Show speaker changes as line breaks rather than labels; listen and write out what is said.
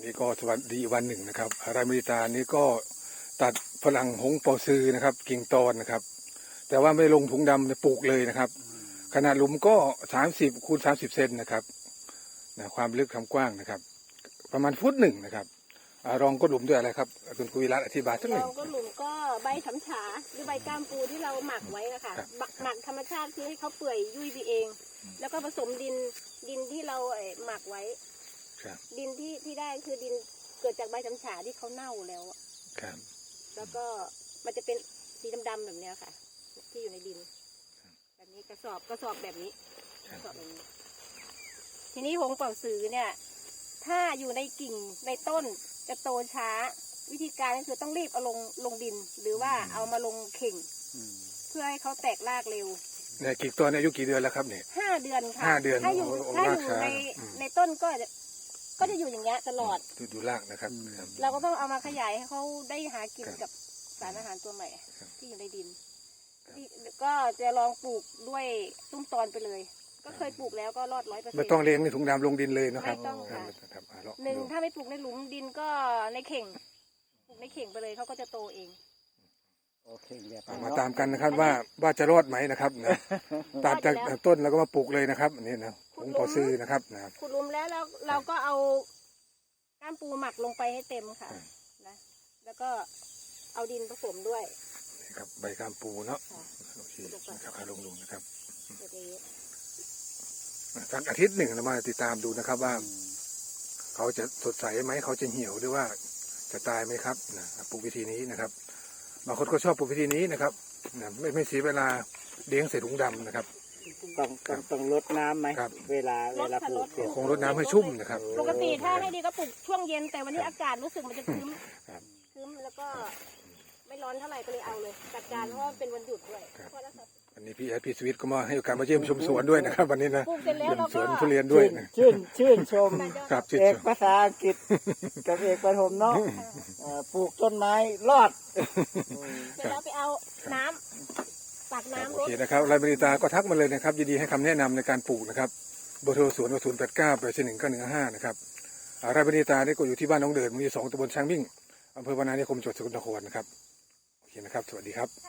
นี่ก็สวัสดีวันหนึ่งนะครับรายมริตานี้ก็ตัดฝรั่งหงเปาซือนะครับกิ่งตอนนะครับแต่ว่าไม่ลงถุงดำปลูกเลยนะครับขนาดหลุมก็30 คูณ 30 เซนนะครับความลึกความกว้างนะครับประมาณฟุตหนึ่งนะครับรองก็หลุมด้วยอะไรครับคุณคุยรัตน์อธิบายสักหนึ่ง
เราก็หลุมก็ใบฉำฉาหรือใบก้ามปูที่เราหมักไว้นะคะหมักธรรมชาติคือให้เขาเปื่อยยุ่ยไปเอง แล้วก็ผสมดินที่เราหมักไว้ดินที่ได้คือดินเกิดจากใบฉำฉาที่เขาเน่าแล้วแล้วก็มันจะเป็นสีดำๆแบบเนี้ยค่ะ ที่อยู่ในดินแบบนี้กระสอบแบบนี้กระสอบแบบนี้ทีนี้หงเป่าสือเนี่ยถ้าอยู่ในกิ่งในต้นจะโตช้าวิธีการก็คือต้องรีบเอาลงดินหรือว่าเอามาลงเข่งเพื่อให้เขาแตกรากเร็ว
เนี่ยกิ่งตัวอายุกี่เดือนแล้วครับเนี่ย
5 เดือนค่ะ
5 เดือน
ถ้าอยู่ในต้นก็จะอยู่อย่างเงี้ยตลอด
ดูรากนะครับ
เราก็ต้องเอามาขยายให้เขาได้หากินกับสารอาหารตัวใหม่ที่อยู่ในดินก็จะลองปลูกด้วยตุ้มตอนไปเลยก็เคยปลูกแล้วก็รอด100%
ไม่ต้องเลี้ยงในถุงดำลงดินเลยนะครับ
ไม่ต้องค่ะถ้าไม่ปลูกในหลุมดินก็ในเข่งปลูกในเข่งไปเลยเขาก็จะโตเอง
โอเค
มาตามกันนะครับว่าจะรอดไหมนะครับตัดจากต้นแล้วก็มาปลูกเลยนะครับนี่นะหงเปาซือนะครับ
ขุดหลุมแล้วเราก็เอาก้ามปูหมักลงไปให้เต็มค่ะนะแล้วก็เอาดินผสมด้วย
นี่ครับใบก้ามปูเนาะโอเคนะครับลงนะครับสักอาทิตย์หนึ่งเรามาติดตามดูนะครับว่าเขาจะสดใสไหมเขาจะเหี่ยวหรือว่าจะตายไหมครับปลูกวิธีนี้นะครับบางคนก็ชอบปลูกวิธีนี้นะครับไม่เสียเวลาเลี้ยงใส่ถุงดำนะครับ
ต้องลดน้ำไหมเวลาปลูก
คงลดน้ำให้ชุ่มนะครับ
ปกติถ้าให้ดีก็ปลูกช่วงเย็นแต่วันนี้อากาศรู้สึกมันจะครึ้มแล้วก็ไม่ร้อนเท่าไหร่ก็เลยเอาเลยจัดการเพราะว่าเป็นวันหยุดด้วย
วันนี้พี่สวิทย์ก็มาให้โอกาสมาเยี่ยมชมสวนด้วยนะครับวันนี้นะ
ปลูกเสร็จแล้วเราก็
สวนทุเรียนด้วย
ชื่นชมเอกภาษาอังกฤษกับเอกประถมเนาะปลูกต้นไม้รอด
เสร็จแล้วไปเอาน้ำตักน้ำ
โอเคนะครับรายบริตาก็ทักมาเลยนะครับยินดีให้คำแนะนำในการปลูกนะครับเบอร์โทรสวน089-841-915นะครับรายบริตาได้ก็อยู่ที่บ้านน้องเดินหมู่ที่ 2 ตำบลช้างมิ่งอำเภอวานานิคมจังหวัดสกลนครนะครับโอเคนะครับสวัสดีครับ